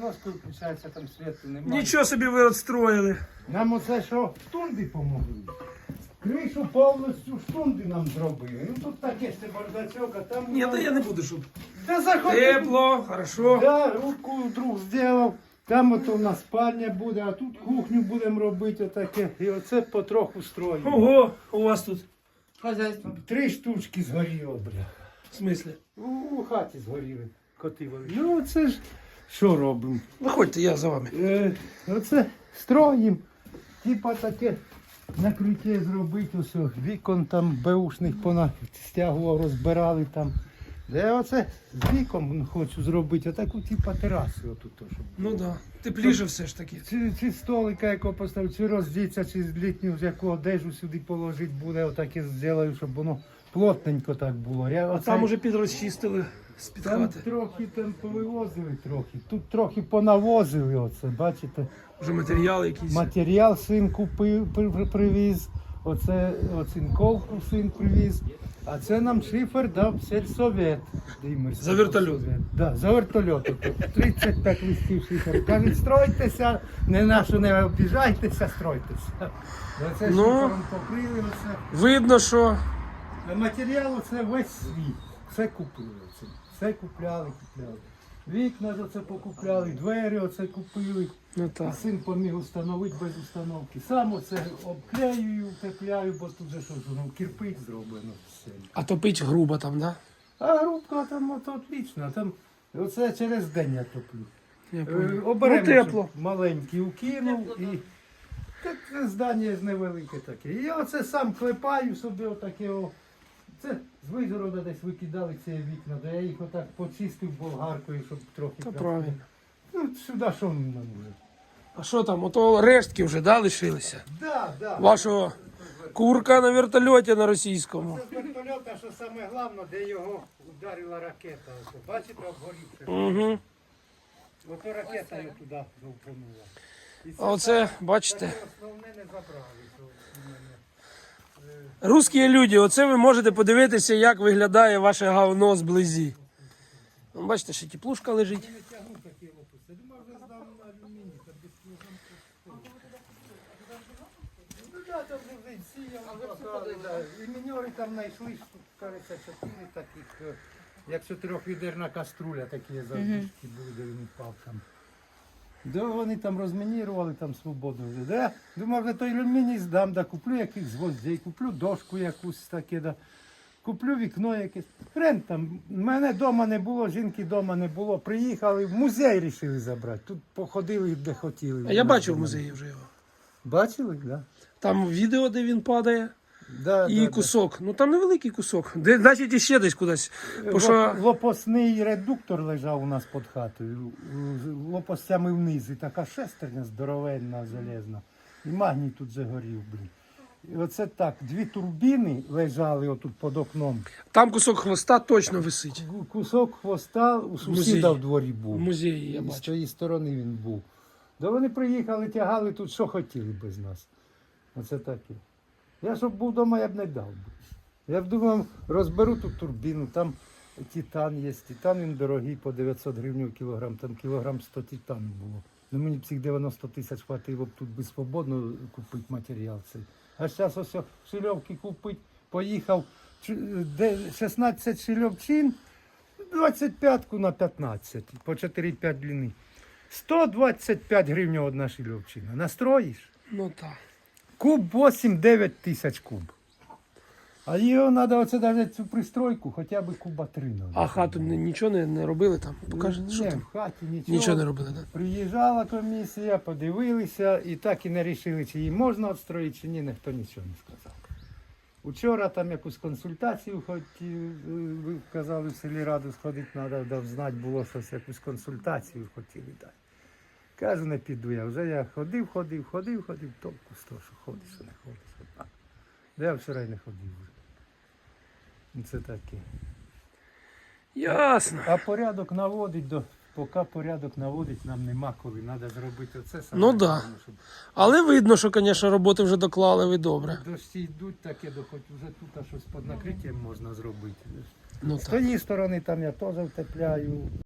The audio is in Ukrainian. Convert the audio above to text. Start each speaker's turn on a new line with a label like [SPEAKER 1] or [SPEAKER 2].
[SPEAKER 1] доскою включається, там світу немає.
[SPEAKER 2] Нічого собі ви відстроїли.
[SPEAKER 1] Нам оце що штунди помогли. Кришу повністю штунди нам зробили. Ну тут таке ще бардачок, а там...
[SPEAKER 2] Ні, то я не буду, щоб
[SPEAKER 1] Да заходи.
[SPEAKER 2] тепло, хорошо.
[SPEAKER 1] Да, руку друг зробив. Там ото у нас спальня буде, а тут кухню будемо робити отаке. І оце потроху строїмо.
[SPEAKER 2] Ого, у вас тут
[SPEAKER 1] Хазяйство. 3 штучки згоріло, бля.
[SPEAKER 2] в смислі?
[SPEAKER 1] У хаті згоріли. Коти вели. Ну оце ж що робимо?
[SPEAKER 2] Виходьте, я за вами.
[SPEAKER 1] Оце строїм. Типа таке накриття зробити, ось вікон там беушних понастягував, розбирали там. Де оце з віком хочу зробити, отаку типа терасу отут. Щоб...
[SPEAKER 2] Ну так, да. Тепліше все ж таки.
[SPEAKER 1] Чи столика якого поставити, чи роздіться, чи з літню, з яку одежу сюди положити буде, отак і зроблю, щоб воно плотненько так було.
[SPEAKER 2] А там уже підрозчистили з-під
[SPEAKER 1] там
[SPEAKER 2] хати.
[SPEAKER 1] трохи там повивозили трохи, тут трохи понавозили оце, бачите.
[SPEAKER 2] Вже матеріали якісь.
[SPEAKER 1] Матеріал син купив, привіз, оце оцинковку син привіз, а це нам шифер дав сельсовет.
[SPEAKER 2] За вертольот?
[SPEAKER 1] Да, за вертольот. 35 листів шиферу. Кажуть, стройтеся, не обіжайтеся, стройтеся. Оце
[SPEAKER 2] Ну,
[SPEAKER 1] шифером покрили, оце.
[SPEAKER 2] Видно, що
[SPEAKER 1] Матеріал оце весь свій. Все купили. Все купляли. Вікна ж оце покупляли, двері оце купили.
[SPEAKER 2] ну так.
[SPEAKER 1] Син поміг установити без установки. Сам оце обклеюю, утепляю, бо тут же що ж, ну, кирпич зроблено все.
[SPEAKER 2] А топить грубо там, да?
[SPEAKER 1] А грубка там ото отлично, там оце через день я топлю.
[SPEAKER 2] Я понял.
[SPEAKER 1] Оберемо,
[SPEAKER 2] Ну, тепло.
[SPEAKER 1] щоб маленький укинув і так це здання ж невелике таке. І я оце сам клепаю собі отаке. Це з Вижгорода десь викидали ці вікна, де я їх отак почистив болгаркою, щоб трохи...
[SPEAKER 2] Та правильно.
[SPEAKER 1] Ну, сюди що нам може?
[SPEAKER 2] А що там, ото рештки вже, да, лишилися?
[SPEAKER 1] Да.
[SPEAKER 2] Вашого курка на вертольоті на російському.
[SPEAKER 1] Це з вертольота, що саме головне, де його ударила ракета. Ось, бачите, обгорівши.
[SPEAKER 2] Угу.
[SPEAKER 1] Ото ракета його туди довпонула. І це
[SPEAKER 2] А оце,
[SPEAKER 1] саме
[SPEAKER 2] бачите,
[SPEAKER 1] основне не забрали. що у мене.
[SPEAKER 2] русські люди, оце ви можете подивитися, як виглядає ваше говно зблизі. Ну, бачите, ще теплушка лежить.
[SPEAKER 1] Не тягну такі лопусти. Думав, вже здав на алюміній, там без кілограм. Ну так, там вже сіяв. І міньори там знайшли, кажеться, 4 таких, як 4-відерна каструля, такі завдішки були, де він впав там. Да, вони там розмінірували, там свободно вже. Да? Думав, вже той алюміній здам, да, куплю якихось гвоздей, куплю дошку якусь таке, да. Куплю вікно якесь. Хрен там, мене вдома не було, жінки вдома не було. Приїхали, в музей вирішили забрати. Тут походили, де хотіли.
[SPEAKER 2] А я бачив в музеї вже його.
[SPEAKER 1] Бачили, так? Да.
[SPEAKER 2] Там відео, де він падає,
[SPEAKER 1] Да,
[SPEAKER 2] і кусок. Ну там невеликий кусок. Де, значить, іще десь кудись. Бо що...
[SPEAKER 1] Лопасний редуктор лежав у нас під хатою. Лопастями вниз. І така шестерня здоровенна, залізна. І магній тут загорів, блін. І оце так, 2 турбіни лежали отут під окном.
[SPEAKER 2] Там кусок хвоста точно висить.
[SPEAKER 1] Кусок хвоста у сусіда в дворі був.
[SPEAKER 2] В музеї я
[SPEAKER 1] І з
[SPEAKER 2] бачу.
[SPEAKER 1] тієї сторони він був. Да вони приїхали, тягали тут, що хотіли без нас. Оце таке. Я щоб був вдома, я б не дав би. Я б думав, розберу тут турбіну, там титан є. Титан він дорогий, по 900 гривень кілограм, там кілограм 100 титану було. Ну мені б цих 90 тисяч хватило б тут би свободно купити матеріал цей. А зараз ось шильовки купити, поїхав, 16 шильовчин, 25-ку на 15, по 4-5 длини. 125 гривень одна шильовчина. Настроїш?
[SPEAKER 2] Ну так.
[SPEAKER 1] Куб 8-9 тисяч куб. А його треба оце навіть цю пристройку, хоча б куба 3 надо.
[SPEAKER 2] А хату нічого не робили там? Покажете, що
[SPEAKER 1] Ні,
[SPEAKER 2] там?
[SPEAKER 1] в хаті нічого.
[SPEAKER 2] Нічого не робили, так?
[SPEAKER 1] Приїжджала комісія, подивилися і так і не вирішили, чи її можна відстроїти, чи ні, ніхто нічого не сказав. Учора там якусь консультацію ви казали, в селі раду сходити, треба знати було щось, якусь консультацію хотіли дати. Кажу, не піду я. Вже я ходив, толку з того, що ходиш, що не ходиш. Я вчора й не ходив вже. Це таке.
[SPEAKER 2] Ясно.
[SPEAKER 1] А порядок наводить, поки порядок наводить, нам нема коли. Треба зробити оце саме.
[SPEAKER 2] Ну да.
[SPEAKER 1] головне, щоб
[SPEAKER 2] Але видно, що, звісно, роботи вже доклали ви добре.
[SPEAKER 1] дощі йдуть таке, хоч вже тут щось під накриттям можна зробити.
[SPEAKER 2] Ну
[SPEAKER 1] З
[SPEAKER 2] так.
[SPEAKER 1] тієї сторони там я теж втепляю.